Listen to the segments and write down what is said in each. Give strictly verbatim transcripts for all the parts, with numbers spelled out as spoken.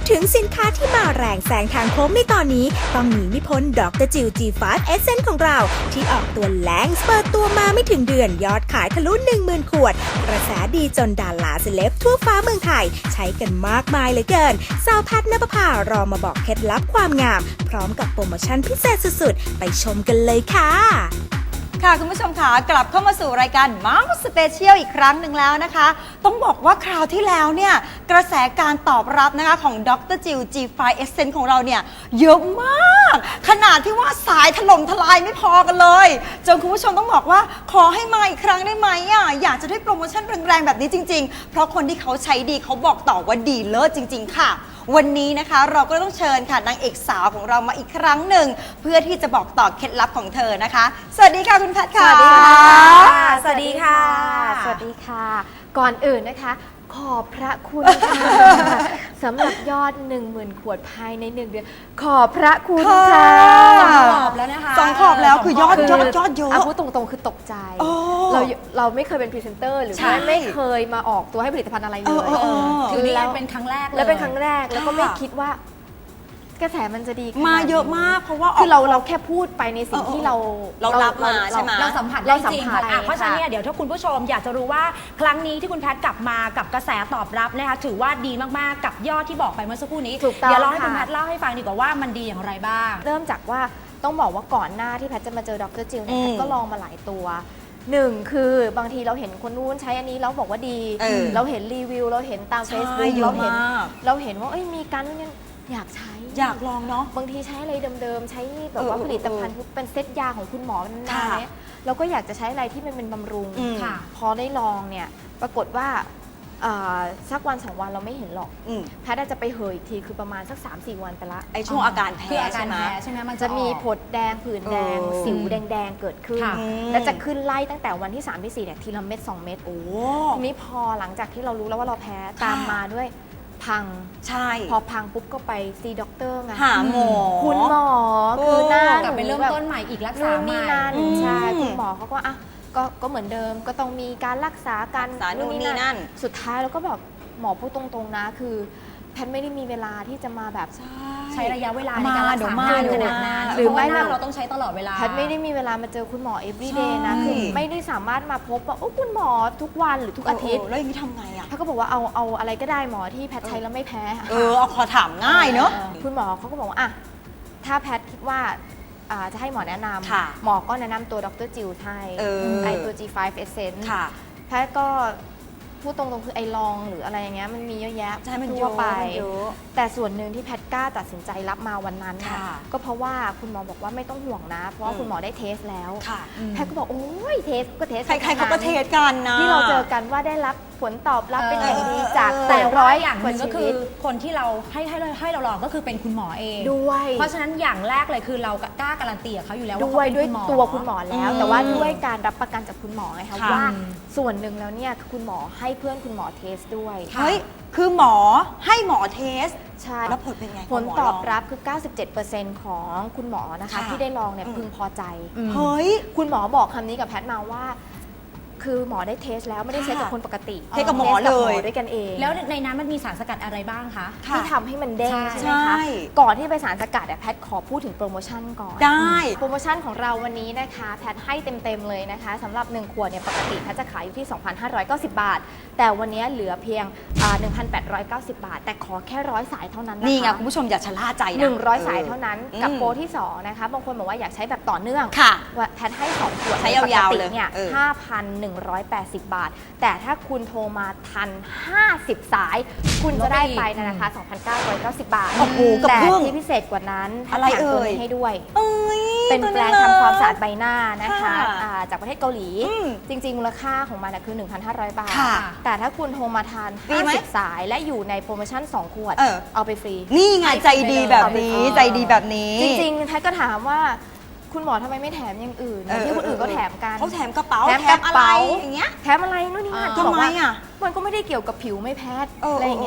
ถึงสินค้าที่มาแรงแซงทางโค้งในตอนนี้ต้องหนีไม่พ้นดรจิว จี ไฟว์ Essence ของเราที่ออกตัวแรงเปิดตัวมาไม่ถึงเดือนยอดขายทะลุ หนึ่งหมื่น ขวดกระแสดีจนดาราเซเลบทั่วฟ้าเมืองไทยใช้กันมากมายเหลือเกินสาวแพทย์ณปภารอมาบอกเคล็ดลับความงามพร้อมกับโปรโมชั่นพิเศษสุดๆไปชมกันเลยค่ะค่ะคุณผู้ชมค่ะกลับเข้ามาสู่รายการมังสเปเชียลอีกครั้งหนึ่งแล้วนะคะต้องบอกว่าคราวที่แล้วเนี่ยกระแสการตอบรับนะคะของดรจิว จี ไฟว์ Essence ของเราเนี่ยเยอะมากขนาดที่ว่าสายถล่มทลายไม่พอกันเลยจนคุณผู้ชมต้องบอกว่าขอให้มาอีกครั้งได้ไหมอ่ะอยากจะได้โปรโมชั่นแรงๆแบบนี้จริงๆเพราะคนที่เขาใช้ดีเขาบอกต่อว่าดีเลิศจริงๆค่ะวันนี้นะคะเราก็ต้องเชิญค่ะนางเอกสาวของเรามาอีกครั้งหนึ่งเพื่อที่จะบอกต่อเคล็ดลับของเธอนะคะสวัสดีค่ะคุณแพทย์ค่ะสวัสดีค่ะสวัสดีค่ะสวัสดีค่ะ ก่อนอื่นนะคะ ขอบพระคุณค่ะสำหรับยอด หนึ่งหมื่น ขวดภายในหนึ่งเดือนขอบพระคุณค่ะสองขอบแล้วนะคะสองขอบแล้วคือยอดยอดยอดเยอะเอาพูดตรงๆคือตกใจเราเราไม่เคยเป็นพรีเซนเตอร์หรือว่าไม่เคยมาออกตัวให้ผลิตภัณฑ์อะไรเลยคือนี่เป็นครั้งแรกเลยแล้วเป็นครั้งแรกแล้วก็ไม่คิดว่ากระแสมันจะดีมาเยอะมากเพราะว่าคือเราเราแค่พูดไปในสิ่งที่เราเรารับมาใช่ไหมเราสัมผัสได้จริงอ่ะเพราะฉะนั้นเนี่ยเดี๋ยวถ้าคุณผู้ชมอยากจะรู้ว่าครั้งนี้ที่คุณแพทย์กลับมากับกระแสตอบรับนะคะถือว่าดีมากๆกับยอดที่บอกไปเมื่อสักครู่นี้เดี๋ยวเราให้คุณแพทย์เล่าให้ฟังดีกว่าว่ามันดีอย่างไรบ้างเริ่มจากว่าต้องบอกว่าก่อนหน้าที่แพทย์จะมาเจอดรจิวเนี่ยแพทย์ก็ลองมาหลายตัวหนึ่งคือบางทีเราเห็นคนนู้นใช้อันนี้แล้วบอกว่าดีเราเห็นรีวิวเราเห็นตามเฟซบุ๊กเราเห็นเราเห็นว่าเอ้ยมีการนี่อยากใช้อยากลองเนาะบางทีใช้อะไรเดิมๆใช้แบบว่าผลิตภัณฑ์เป็นเซตยาของคุณหมอนานๆเนี่ยเราก็อยากจะใช้อะไรที่มันเป็นบำรุงพอได้ลองเนี่ยปรากฏว่าสักวันสองวันเราไม่เห็นหรอกแพทย์จะไปเหยอีกทีคือประมาณสัก สามสี่ วันไปละไอช่วงอาการแพ้ใช่ไหมใช่ไหมมันจะมีผดแดงผื่นแดงสิวแดงๆเกิดขึ้นและจะขึ้นไล่ตั้งแต่วันที่สามที่สี่เนี่ยทีละเม็ดสองเม็ดโอ้ทีนี้พอหลังจากที่เรารู้แล้วว่าเราแพ้ตามมาด้วยพังใช่พอพังปุ๊บก็ไปซีด็อกเตอร์ไงหาหมอคุณหมอคือหน้ากลับไปเริ่มต้นใหม่อีกรักษาใหม่ใช่คุณหมอเขาก็อ่ะก็ก็เหมือนเดิมก็ต้องมีการรักษาการนู่นนี่นั่นสุดท้ายเราก็แบบหมอพูดตรงๆนะคือแพทย์ไม่ได้มีเวลาที่จะมาแบบใช้ระยะเวลาในการรักษาขนาดนั้นหรือไม่เราต้องใช้ตลอดเวลาแพทย์ไม่ได้มีเวลามาเจอคุณหมอ everyday นะคือไม่ได้สามารถมาพบว่าโอ้คุณหมอทุกวันหรือทุกอาทิตย์แล้วอย่างนี้ทำไงอ่ะแพทย์ก็บอกว่าเอาเอาอะไรก็ได้หมอที่แพทย์ใช้แล้วไม่แพ้เออเอาขอถามง่ายเนอะคุณหมอเขาก็บอกว่าอ่ะถ้าแพทย์คิดว่าจะให้หมอแนะนำหมอก็แนะนำตัวดรจิวให้ไอตัว จี ไฟว์ Essence แพทย์ก็พูดตรงๆคือไอลองหรืออะไรอย่างเงี้ยมันมีเยอะแยะทั่วไปแต่ส่วนหนึ่งที่แพทย์กล้าตัดสินใจรับมาวันนั้นก็เพราะว่าคุณหมอบอกว่าไม่ต้องห่วงนะเพราะว่าคุณหมอได้เทสแล้วแพทย์ก็บอกโอ้ยเทสก็เทสใครๆเขาก็เทสกันนะที่เราเจอกันว่าได้รับผลตอบรับเป็นอย่างดีจากแต่ร้อยอย่างหนึ่งก็คือคนที่เราให้ให้ให้เราลองก็คือเป็นคุณหมอเองด้วยเพราะฉะนั้นอย่างแรกเลยคือเรากล้าการันตีกับเขาอยู่แล้วว่าด้วยด้วยตัวคุณหมอแล้วแต่ว่าด้วยการรับประกันจากคุณหมอไงคะว่าส่วนหนึ่งแล้วเนี่ยคุณหมอให้เพื่อนคุณหมอเทสด้วยเฮ้ยคือหมอให้หมอเทสใช่แล้วผลเป็นไงผลตอบรับคือ เก้าสิบเจ็ดเปอร์เซ็นต์ ของคุณหมอนะคะที่ได้ลองเนี่ยพึงพอใจเฮ้ยคุณหมอบอกคำนี้กับแพทย์มาว่าคือหมอได้เทสแล้วไม่ได้เทสกับคนปกติเทสกับหมอเลยด้วยกันเองแล้วในนั้นมันมีสารสกัดอะไรบ้างคะที่ทำให้มันเด้งใช่ไหมคะก่อนที่ไปสารสกัดแพทย์ขอพูดถึงโปรโมชั่นก่อนได้โปรโมชั่นของเราวันนี้นะคะแพทย์ให้เต็มๆเลยนะคะสำหรับหนึ่งขวดเนี่ยปกติแพทย์จะขายอยู่ที่ สองพันห้าร้อยเก้าสิบบาทแต่วันนี้เหลือเพียง หนึ่งพันแปดร้อยเก้าสิบบาทแต่ขอแค่ร้อยสายเท่านั้นนะคะนี่ไงคุณผู้ชมอย่าชะล่าใจนะหนึ่งร้อยสายเท่านั้นกับโปรที่สองนะคะบางคนบอกว่าอยากใช้แบบต่อเนื่องแพทย์ให้สองขวดใช้ยาวๆเลยเนี่ย ห้าพันหนึ่งร้อยแปดสิบบาทแต่ถ้าคุณโทรมาทันห้าสิบสายคุณจะได้ไปในราคา สองพันเก้าร้อยเก้าสิบบาทแต่ที่พิเศษกว่านั้นอะไรเอ่ยให้ด้วยเป็นแปรงทำความสะอาดใบหน้านะคะจากประเทศเกาหลีจริงๆมูลค่าของมันคือ หนึ่งพันห้าร้อยบาทแต่ถ้าคุณโทรมาทานห้าสิบสายและอยู่ในโปรโมชั่นสองขวดเอาไปฟรีนี่ไงใจดีแบบนี้ใจดีแบบนี้จริงๆแพทย์ก็ถามว่าคุณหมอทำไมไม่แถมอย่างอื่นที่คนอื่นก็แถมกันเขาแถมกระเป๋าแถมกระเป๋าอย่างเงี้ยแถมอะไรนู่นนี่นั่นทำไมอ่ะมันก็ไม่ได้เกี่ยวกับผิวไม่แพ้อะไรอย่างเงี้ย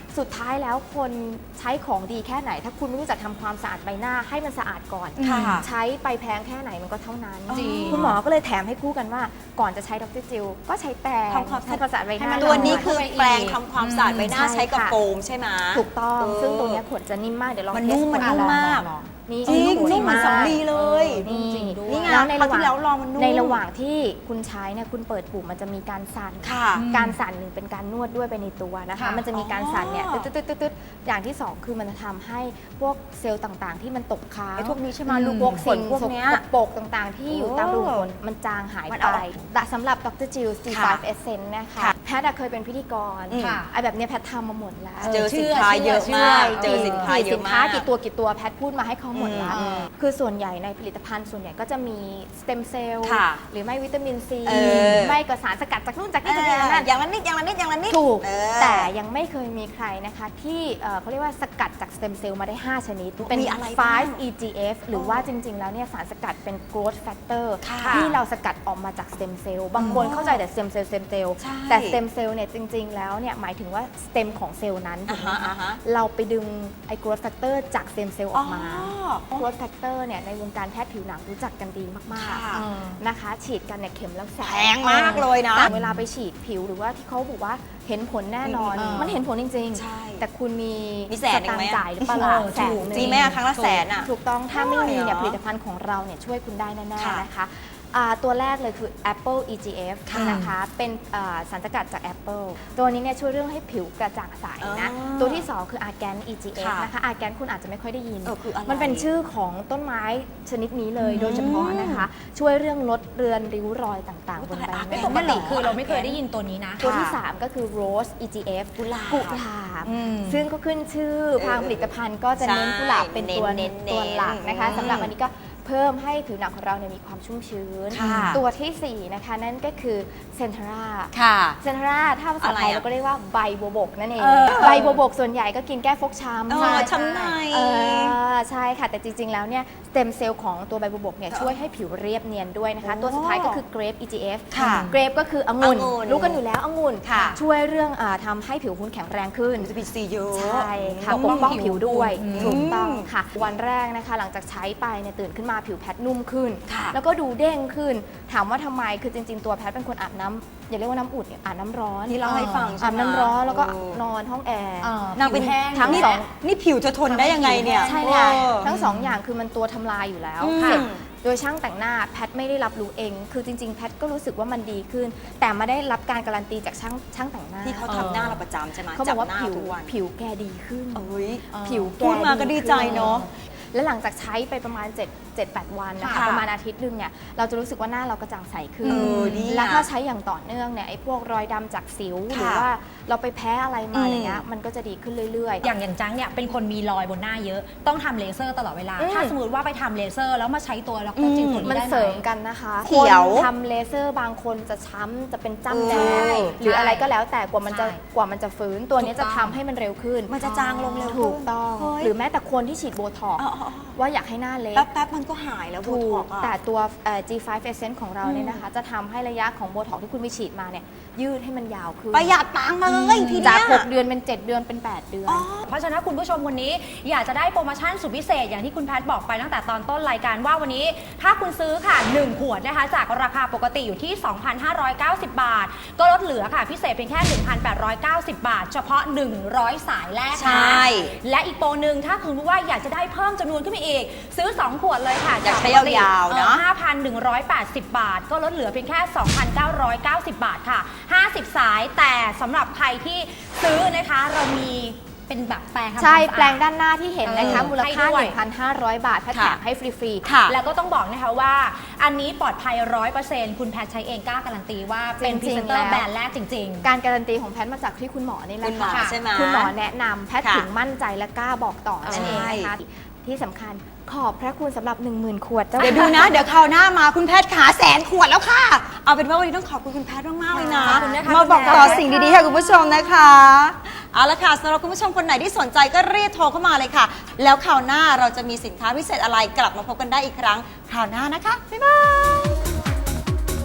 สุดท้ายแล้วคนใช้ของดีแค่ไหน ถ้าคุณไม่รู้จักทำความสะอาดใบหน้าให้มันสะอาดก่อนค่ะใช้ไปแพงแค่ไหนมันก็เท่านั้นจริงคุณหมอก็เลยแถมให้คู่กันว่าก่อนจะใช้ดรจิลก็ใช้แปรงทำความสะอาดทำความสะอาดใบหน้าตัวนี้คือเข้าไปอีกแปรงทำความสะอาดใบหน้าอืมใช้กับใช่ค่ะโฟมใช่ไหมถูกต้องเออซึ่งตัวเนี้ยขวดจะนิ่มมากเดี๋ยวลองมันเทสนุ่มมันนุ่มขวดมากลองนี่จริงขวดนุ่มเหมือนากสำลีเลยนี่จริงด้วยนี่ไงแล้วในคราวระหที่ว่างแล้วลองมันนุ่มในระหว่างที่คุณใช้เนี่ยคุณเปิดปุ่มมันจะมีการสั่นค่ะการสั่นหนึ่งเป็นการนวดด้วยไปในตัวนะคะค่ะมันจะมีการสั่นเนี่ยอ๋อตึ๊ดตึ๊ดตึ๊ดตึ๊ดอย่างที่สองคือมันจะทำให้พวกเซลล์ต่างๆ ที่มันตกค้างไอ้พวกนี้ใช่ไหมอืลูกพวกขสิ่นงพวกเนี้ยสกปรกต่างๆ ที่อยู่ตามรูขุมขนมันจางหายมันไปเอาแต่สำหรับดรจิล ซี ไฟว์ค่ะ Essence นะคะค่ะแพทย์อะเคยเป็นพิธีกรอืมไอ้แบบเนี้ยแพทย์ทำมาหมดแล้วเจอสินค้าเยอะมาก เจอสินค้าเยสิอะนมาค้าก กี่ตัวกี่ตัวแพทย์พูดมาให้เขาหมดแล้วอืมคือส่วนใหญ่ในผลิตภัณฑ์ส่วนใหญ่ก็จะมีสเต็มเซลล์ค่ะหรือไม่วิตามินซีเออไม่ก็สารสกัดจากนู่นจากเอนี่จากนี่อจากนั่นอย่างละนิดอย่างละนิดอย่างละนิดถูกเออแต่ยังไม่เคยมีใครนะคะที่เอ่อเขาเรียกว่าสกัดจากสเต็มเซลล์มาได้ ห้า ชนิด เป็นมีอะไรไฟบ้างว์ อี จี เอฟ หรือว่าจริง ๆ แล้วเนี่ยสารสกัดเป็น growth factor ค่ะที่เราสกัดออกมาจากสเต็มเซลล์บางคนเข้าใจแต่สเต็มเซลล์สเต็มเซลล์ใช่แต่สเต็มเซลล์เนี่ยจริง ๆ แล้วเนี่ยหมายถึงว่าสเต็มของเซลล์นั้นถูอ่ากไหมฮะคะอ่าฮะเราไปดึงไอ้ growth factor จากสเต็มเซลล์ออกมาอ๋อ growth factor เนี่ยในวงการแพทย์ผิวหนังรู้จักกันดีมากค่ะๆนะคะ ฉีดกันเนี่ยเข็มละแสนแพงมากเลยนะแต่เวลาไปฉีดผิวหรือว่าที่เขาบอกว่าเห็นผลแน่นอนอืมมันเห็นผลจริงใช่ๆ แต่คุณมีมีแสนหนึ่งไหมสตางค์จ่ายหรือเปล่าล่ะเออแสนหนึ่งจริงไหมอะครั้งละแสนอะถูกต้องถ้าไม่มีเนี่ยใช่เหรอผลิตภัณฑ์ของเราเนี่ยช่วยคุณได้แน่ค่ะๆนะคะอ่าตัวแรกเลยคือ Apple อี จี เอฟค่ะนะคะเป็นอ่าสารสกัดจาก Apple ตัวนี้เนี่ยช่วยเรื่องให้ผิวกระจ่างใสนะอ๋อตัวที่สองคือ Argan อี จี เอฟค่ะนะคะ Argan คุณอาจจะไม่ค่อยได้ยินเออคืออะไรมันเป็นชื่อของต้นไม้ชนิดนี้เลยโดยเฉพาะนะคะ ช่วยเรื่องลดเรือนริ้วรอยต่างๆบนใบหไม่น้าปปกติคือเราไม่เคยได้ยินตัวนี้นะตัวที่ สามก็คือ Rose อี จี เอฟกุหลาบกุหลาบอืมซึ่งก็ขึ้นชื่อทางผลิตภัณฑ์ก็จะเน้นใช่กุหลาบเป็นตัวเน้นๆตัวหลักนะคะอืมสำหรับอันนี้ก็เพิ่มให้ผิวหนังของเราเนี่ยมีความชุ่มชื้นค่ะตัวที่สี่นะคะนั่นก็คือเซนทราค่ะเซนทราถ้าภาษาไทยอะไรอะเราก็เรียกว่าใบบัวบกนั่นเองเออใบบัวบกส่วนใหญ่ก็กินแก้ฟกช้ำเออใช่ช้ำในเออใช่ค่ะ แต่จริง ๆ แล้วเนี่ยสเต็มเซลล์ของตัวใบบัวบกเนี่ยช่วยให้ผิวเรียบเนียนด้วยนะคะ ตัวสุดท้ายก็คือ Grape อี จี เอฟค่ะ Grape ก็คือองุ่นองุ่นรู้กันอยู่แล้วองุ่นค่ะช่วยเรื่องอาทำให้ผิวคุณแข็งแรงขึ้นวิตามินซีเยอะใช่ค่ะปปกกป้ป้ออง งผิผิววด้วยอืมถูกต้องค่ะ วันแรกนะคะหลังจากใช้ไปเนี่ยตื่นขึ้นมาผิวแพทนุ่มขึ้นค่ะแล้วก็ดูเด้งขึ้น ถามว่าทำไมคือจริง ๆ ตัวแพทเป็นคนอาบน้ำอย่าเรียกว่าน้ำอุ่นเนี่ยอาบน้ำร้อนที่เล่าให้ฟังใช่อาบไหมน้ำร้อนแล้วก็เออนอนห้องแอร์เออนางเป็นผิวแห้งทั้งนี่สองนี่ผิวจะทนได้ยังไงเนี่ยใช่ค่ะเออทั้งสองอย่างคือมันตัวทำลายอยู่แล้วอืมเสร็จโดยช่างแต่งหน้าแพทไม่ได้รับรู้เอง คือจริง ๆ แพทก็รู้สึกว่ามันดีขึ้น แต่ไม่ได้รับการการันตีจากช่างช่างแต่งหน้าที่เขาทำหน้าเราประจำใช่ไหมเขาบอกว่าจัหน้ผิวทุกวันผิวแกดีขึ้นเอ้ยผิวแกพูดมาก็ดีใจเนอะแล้วหลังจากใช้ไปประมาณ7 7 8 วันนะคะค่ะประมาณอาทิตย์หนึงเนี่ยเราจะรู้สึกว่าหน้าเรากระจ่างใสขึ้นเออดีอะแล้วถ้าใช้อย่างต่อเนื่องเนี่ยไอ้พวกรอยดำจากสิวหรือค่ะว่าเราไปแพ้อะไรมาอืมอะไรเงี้ยมันก็จะดีขึ้นเรื่อยๆอย่างอย่างจังเนี่ยเป็นคนมีรอยบนหน้าเยอะ ต้องทำเลเซอร์ตลอดเวลาอืมถ้าสมมติว่าไปทำเลเซอร์แล้วมาใช้ตัวแล้วก็จริงตัวนี้มันได้ไหเสริมมกันนะคะเขียวคนทำเลเซอร์บางคนจะช้ำจะเป็นจ้ำแดใช่งหรืออะไรก็แล้วแต่กว่ามันจะใช่กว่ามันจะฟื้นตัวนี้ถูจะกทำต้องให้มันเร็วขึ้นมันจะจางลงเร็วถูกต้องเฮ้ยหรือแม้แต่คนที่ฉีดโบท็อกซ์อ๋ออ๋อว่าอยากให้หน้าเล็กแป๊บแป๊บๆมันก็หายแล้วโบถูท็อก กซ์อะแต่ตัวเอ่อ จี ไฟว์ Essence ของเราเนี่ยนะคะ จะทำให้ระยะของโบท็อกซ์ที่คุณไปฉีดมาเนี่ยยืดให้มันยาวขึ้นประหยัดตังค์เลยทีเนี้จากยหกเดือนเป็น เจ็ด เดือนเป็น แปด เดือนเพราะฉะนั้นคุณผู้ชมคนนี้อยากจะได้โปรโมชั่นสุดพิเศษอย่างที่คุณแพทย์บอกไปตั้งแต่ตอนต้นรายการว่าวันนี้ ถ้าคุณซื้อค่ะหนึ่งขวดนะคะจากราคาปกติอยู่ที่ สองพันห้าร้อยเก้าสิบ บาท ก็ลดเหลือค่ะพิเศษเพียงแค่ หนึ่งพันแปดร้อยเก้าสิบ บาท เฉพาะหนึ่งร้อยสายแรกนะใช่และอีกโปรหนึ่งถ้าคุณรู้ว่าอยากจะได้เพิ่มจำนวนขึ้นไปอีก ซื้อสองขวดเลยค่ะอยากใช้ปกติยาวๆเนอะห้าพันหนึ่งร้อยแปดสิบ บาท ก็ลดเหลือเพียงแค่ สองพันเก้าร้อยเก้าสิบ บาทค่ะห้าสิบสายแต่สำหรับใครที่ซื้อนะคะเรามีเป็นแบบแปรงทำความใช่สะอาดแปลงด้านหน้าที่เห็นนะคะเออมูลค่าให้ด้วยหนึ่งพันห้าร้อย บาทแพทย์แถมให้ฟรีๆค่ะแล้วก็ต้องบอกนะคะว่าอันนี้ปลอดภัยร้อยเปอร์เซ็นต์คุณแพทย์ใช้เองกล้าการันตีว่าเป็นพจรีริงๆเซนเตอแล้ร์วแบรนด์แรกจริงการการันตีของแพทย์มาจากที่คุณหมอนี่แหละคุณหมอค่ะใช่ไหมคุณหมอแนะนำแพทย์ค่ะถึงมั่นใจและกล้าบอกต่อนั่นเองนะคะที่สำคัญขอบพระคุณสำหรับ หนึ่งหมื่น ขวดเจ้าเดี๋ยวดูนะ เดี๋ยวคราวหน้ามาคุณแพทย์ขาแสนขวดแล้วค่ะ เอาเป็นว่าวันนี้ต้องขอบคุณคุณแพทย์มากๆเลยนะขอบคุณนะคะมาบอกคุณแพทย์ต่อสิ่งดีๆให้คุณผู้ชมนะคะ เอาละค่ะสำหรับคุณผู้ชมคนไหนที่สนใจก็รีบโทรเข้ามาเลยค่ะ แล้วคราวหน้าเราจะมีสินค้าพิเศษอะไรกลับมาพบกันได้อีกครั้งคราวหน้านะคะบ๊ายบาย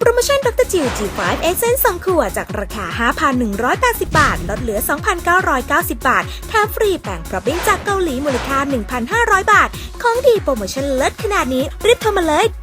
โปรโมชั่นดรจิว จี ไฟว์ Essence สองขวดจากราคา ห้าพันหนึ่งร้อยแปดสิบ บาทลดเหลือ สองพันเก้าร้อยเก้าสิบ บาทแถมฟรีแป้งพรอบบิ้งจากเกาหลีมูลค่า หนึ่งพันห้าร้อย บาทของดีโปรโมชั่นเลิศขนาดนี้รีบโทรมาเลย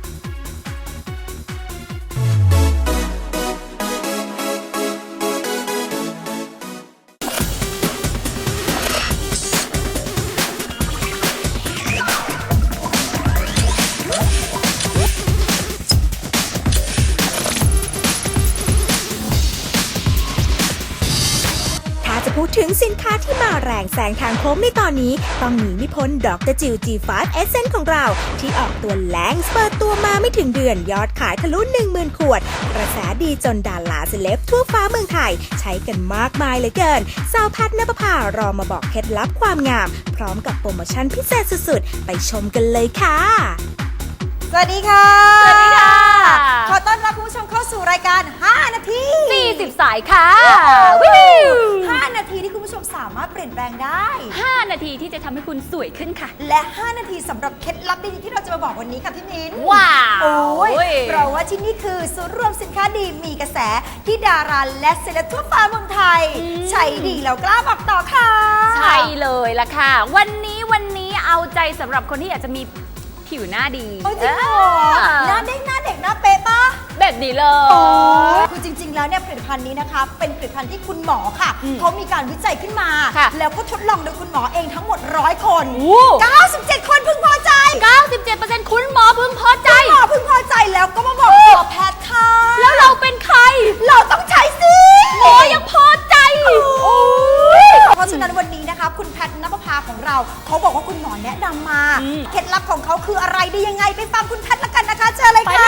จะพูดถึงสินค้าที่มาแรงแซงทางโค้งในตอนนี้ต้องหนีไม่พ้นดรจิว จี ไฟว์ Essence ของเราที่ออกตัวแรงเปิดตัวมาไม่ถึงเดือนยอดขายทะลุ หนึ่งหมื่น ขวดกระแสดีจนดาราเซเลบทั่วฟ้าเมืองไทยใช้กันมากมายเหลือเกินสาวแพทย์ณปภารอมาบอกเคล็ดลับความงามพร้อมกับโปรโมชั่นพิเศษสุดๆไปชมกันเลยค่ะสวัสดีค่ะสวัสดีค่ะขอต้อนรับคุณผู้ชมเข้าสู่รายการ ห้า นาทีสี่สิบ สายค่ะวิวห้านาทีที่คุณผู้ชมสามารถเปลี่ยนแปลงได้ห้า นาทีที่จะทำให้คุณสวยขึ้นค่ะและ ห้า นาทีสำหรับเคล็ดลับดีๆที่เราจะมาบอกวันนี้ค่ะพี่มิ้นว้าวโอ้ยเพราะว่าที่นี่คือศูนย์รวมสินค้าดีมีกระแสที่ดาราและเซเลบทั่วฟ้าเมืองไทยใช้ดีแล้วกล้าบอกต่อค่ะใช่เลยล่ะค่ะวันนี้วันนี้เอาใจสำหรับคนที่อยากจะมีผิวหน้าดีโอ้ยจริงเหรอหน้าเด้งหน้าเด็กหน้าเป๊ะปะแบบนี้เลยยคือจริงๆแล้วเนี่ยผลิตภัณฑ์นี้นะคะเป็นผลิตภัณฑ์ที่คุณหมอค่ะเขามีการวิจัยขึ้นมา แล้วก็ทดลองโดยคุณหมอเองทั้งหมดร้อยคนเก้าสิบเจ็ดคนพึงพอใจเก้าสิบเจ็ดเปอร์เซ็นต์ คุณหมอพึงพอใจคุณหมอพึงพอใจแล้วก็มาบอกต่อแพทย์ค่ะแล้วเราเป็นใครเราต้องใช้สิหมอยังพอใจเพราะฉะนั้นวันนี้นะคะคุณแพทย์ณปภาของเราเขาบอกว่าคุณหมอแนะนำมาเคล็ดลับของเขาคืออะไรได้ยังไงไปฟังคุณแพทย์ละกันนะคะเชิญเลยค่ะ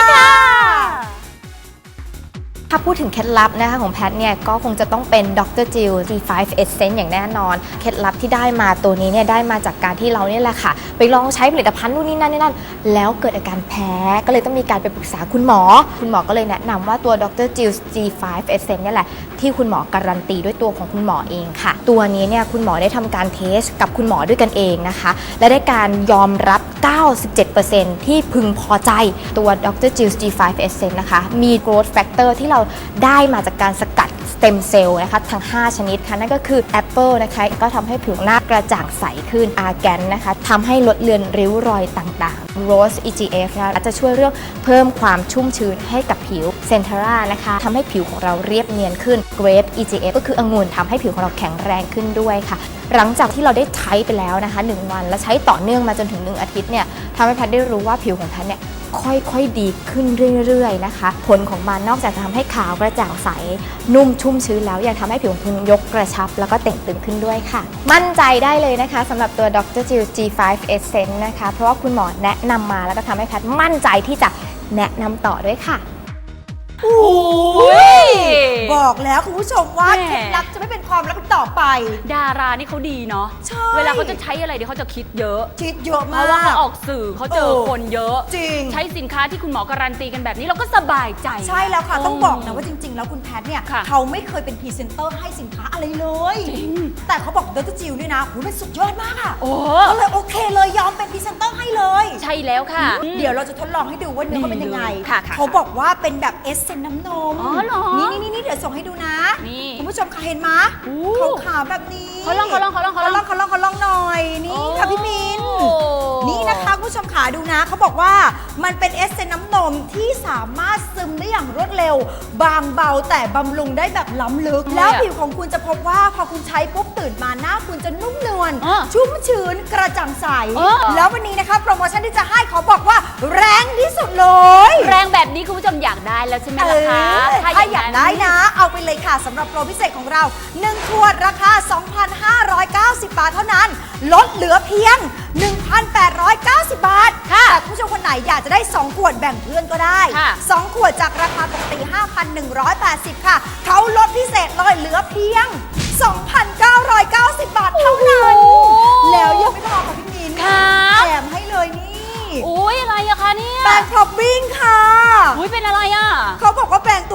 ถ้าพูดถึงเคล็ดลับนะคะของแพทเนี่ยก็คงจะต้องเป็นดรจิว จี ไฟว์ Essence อย่างแน่นอนเคล็ดลับที่ได้มาตัวนี้เนี่ยได้มาจากการที่เราเนี่ยแหละค่ะไปลองใช้ผลิตภัณฑ์นู่นนี่นั่นนี่นั่นแล้วเกิดอาการแพ้ก็เลยต้องมีการไปปรึกษาคุณหมอคุณหมอก็เลยแนะนำว่าตัวดรจิว จี ไฟว์ Essence เนี่ยแหละที่คุณหมอการันตีด้วยตัวของคุณหมอเองค่ะตัวนี้เนี่ยคุณหมอได้ทำการเทสกับคุณหมอด้วยกันเองนะคะและได้การยอมรับ เก้าสิบเจ็ดเปอร์เซ็นต์ ที่พึงพอใจตัวดรจิว จี ไฟว์ Essence นะคะมี growth factor ที่เราได้มาจากการสกัดสเต็มเซลล์นะคะทั้งห้าชนิดค่ะนั่นก็คือแอปเปิลนะคะก็ทำให้ผิวหน้ากระจ่างใสขึ้นอาร์แกนนะคะทำให้ลดเลือนริ้วรอยต่างๆ Rose อี จี เอฟ นะคะจะช่วยเรื่องเพิ่มความชุ่มชื้นให้กับผิวเซนทาร่านะคะทำให้ผิวของเราเรียบเนียนขึ้น Grape อี จี เอฟ ก็คือองุ่นทำให้ผิวของเราแข็งแรงขึ้นด้วยค่ะหลังจากที่เราได้ใช้ไปแล้วนะคะหนึ่งวันและใช้ต่อเนื่องมาจนถึงหนึ่งอาทิตย์เนี่ยทำให้แพทย์ได้รู้ว่าผิวของแพทย์เนี่ยค่อยๆดีขึ้นเรื่อยๆนะคะผลของมันนอกจากจะทำให้ขาวกระจ่างใสนุ่มชุ่มชื้นแล้วยังทำให้ผิวของคุณยกกระชับแล้วก็เต่งตึงขึ้นด้วยค่ะมั่นใจได้เลยนะคะสำหรับตัวดรจิว จี ไฟว์ Essence นะคะเพราะว่าคุณหมอแนะนำมาแล้วก็ทำให้แพทย์มั่นใจที่จะแนะนำต่อด้วยค่ะโอ้ยบอกแล้วคุณผู้ชมว่าเคล็ดลับจะไม่เป็นความลับต่อไปดารานี่เขาดีเนาะใช่เวลาเขาจะใช้อะไรเดี๋ยวเขาจะคิดเยอะคิดเยอะมากเพราะว่าเขาออกสื่อเขาเจอคนเยอะจริงใช้สินค้าที่คุณหมอการันตีกันแบบนี้เราก็สบายใจใช่แล้วค่ะต้องบอกนะว่าจริงๆแล้วคุณแพทย์เนี่ยเขาไม่เคยเป็นพรีเซนเตอร์ให้สินค้าอะไรเลยจริงแต่เขาบอกดรจิวเนี่ยนะโหมันสุดยอดมากอ่ะก็เลยโอเคเลยยอมเป็นพรีเซนเตอร์ให้เลยใช่แล้วค่ะเดี๋ยวเราจะทดลองให้ดูว่าเนื้อเขาเป็นยังไงเขาบอกว่าเป็นแบบเอสเซนน้ำนมนี่นี่นี่เดี๋ยวส่งให้ดูนะคุณผู้ชมค่ะเห็นไหมเขาขาวแบบนี้เขาลองเขาลองเขาลองเขาลองเขาลองเขาลองหน่อยนี่ค่ะพี่มินนี่นะคะคุณผู้ชมขาดูนะเขาบอกว่ามันเป็นเอสเซนน้ำนมที่สามารถซึมได้อย่างรวดเร็วบางเบาแต่บำรุงได้แบบล้ำลึกแล้วผิวของคุณจะพบว่าพอคุณใช้ปุ๊บตื่นมาหน้าคุณจะนุ่มนวลชุ่มชื้นกระจ่างใสแล้ววันนี้นะคะโปรโมชั่นที่จะให้เขาบอกว่าแรงที่สุดเลยแรงแบบนี้คุณผู้ชมอยากได้แล้วใช่ไหมล่ะคะถ้าอยากได้นะเอาไปเลยค่ะสำหรับโปรพิเศษของเราหนึ่งขวดราคา สองพันห้าร้อยเก้าสิบ บาทเท่านั้นลดเหลือเพียง หนึ่งพันแปดร้อยเก้าสิบ บาทแต่คุณผู้ชมคนไหนอยากจะได้สองขวดแบ่งเพื่อนก็ได้สองขวดจากราคาปกติ ห้าพันหนึ่งร้อยแปดสิบ ค่ะเขาลดพิเศษเลยเหลือเพียง สองพันเก้าร้อยเก้าสิบ บาทเท่านั้นแล้วยังไม่พอค่ะพี่มินแถมให้เลยนี่อุ้ยอะไรอะคะเนี่ยแปรงพร็อปปิ้งค่ะอุ้ยเป็นอะไรอะเขาบอกว่าแปรงตัวนี้นี่นะคะ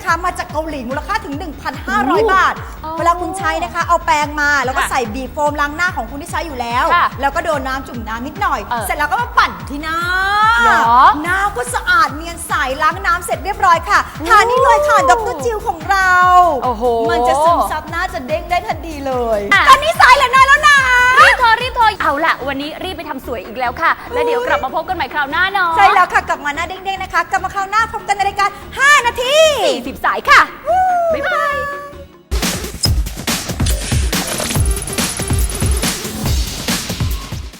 นะคะมาจากเกาหลีมูลค่าถึง หนึ่งพันห้าร้อย บาท เวลาคุณใช้นะคะเอาแปรงมาแล้วก็ใส่บีบโฟมล้างหน้าของคุณที่ใช้อยู่แล้ว แล้วก็โดนน้ำจุ่มน้ำนิดหน่อย เสร็จแล้วก็มาปั่นที่หน้าหน้าก็สะอาดเนียนใสล้างน้ำเสร็จเรียบร้อยค่ะทานี่เลยค่ะดรจิวของเราโอ้โหมันจะซึมซับหน้าจะเด้งได้ทันทีเลยตอนนี้สายเหลือน้อยแล้วนะรีบโทรรีบโทรเอาล่ะวันนี้รีบไปทำสวยอีกแล้วค่ะแล้วเดี๋ยวกลับมาพบกันใหม่คราวหน้าเนาะใช่แล้วค่ะกลับมาหน้าเด้งๆนะคะกลับมาคราวหน้าพบกันในรายการห้านาทีสี่สิบสายค่ะ